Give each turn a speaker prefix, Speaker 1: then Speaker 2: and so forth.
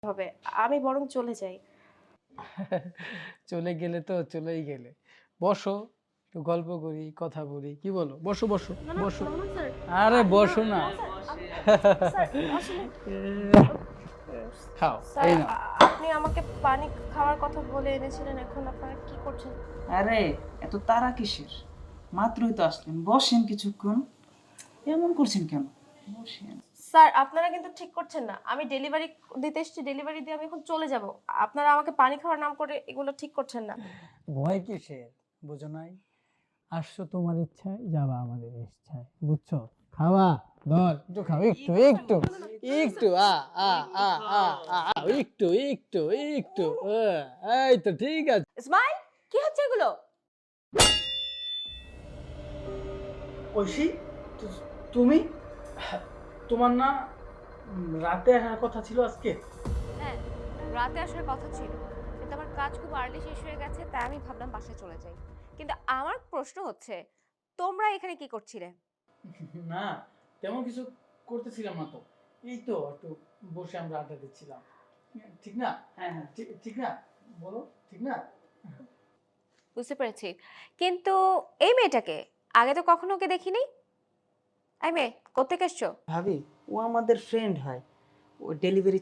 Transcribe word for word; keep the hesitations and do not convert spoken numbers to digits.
Speaker 1: হবে। আমি বরং চলে যাই।
Speaker 2: চলে গেলে তো চলেই গেলে। বসো, একটু গল্প করি, কথা বলি। কি বলো? বসো, বসো,
Speaker 1: না, না,
Speaker 2: বসো।
Speaker 1: না, না স্যার।
Speaker 2: আরে
Speaker 1: আ না,
Speaker 2: বসো না।
Speaker 1: না স্যার। আমি স্যার আসলে
Speaker 2: খাও,
Speaker 1: স্যার
Speaker 2: এই নাও।
Speaker 1: আ আপনি আমাকে পানি খাওয়ার কথা বলে এনেছিলেন। এখন আপনারা কি করছেন?
Speaker 3: আরে এত তাড়া কিসের? মাত্রই তো আসলেন, বসেন কিছুক্ষণ। এমন করছেন কেন? বসেন।
Speaker 1: স্যার আপনারা কিন্তু ঠিক করছেন না। আমি ডেলিভারি দিতে এসেছি, ডেলিভারি দিয়ে আমি এখন চলে যাব। আপনারা আমাকে পানি খাওয়ার নাম করে এগুলো ঠিক করছেন না।
Speaker 2: ভয় কিসের? বুঝো নাই? আসছো তোমার ইচ্ছায়, যাবা আমাদের ইচ্ছায়। বুঝছো? খাওয়া, ধর, একটু খাও, একটু, একটু, একটু, আ, আ, আ, আ, আ, আ, একটু, একটু, একটু, আ, এই তো ঠিক আছে।
Speaker 1: ইসমাইল, কি হচ্ছে এগুলো?
Speaker 2: ঐশী, তু- তুমি তোমার না উম, রাতে আসার কথা ছিল আজকে?
Speaker 4: হ্যাঁ, রাতে আসার কথা ছিল, কিন্তু আমার কাজ খুব আর্লি শেষ হয়ে গেছে, তাই আমি ভাবলাম বাসায় চলে যাই। কিন্তু আমার প্রশ্ন হচ্ছে, তোমরা এখানে কি করছিলে?
Speaker 2: না, তেমন কিছু করতেছিলাম না তো। এই তো একটু বসে আমরা আড্ডা দিচ্ছিলাম। ঠিক না?
Speaker 3: হ্যাঁ হ্যাঁ।
Speaker 2: ঠিক ঠিক না? বলো, ঠিক না?
Speaker 4: বুঝতে পেরেছি, কিন্তু এই মেয়েটাকে আগে তো কখনো ওকে দেখিনি। এই মেয়ে, কোত্থেকে এসছো?
Speaker 3: ভাবি, ও আমাদের ফ্রেন্ড হয়। ও ডেলিভারি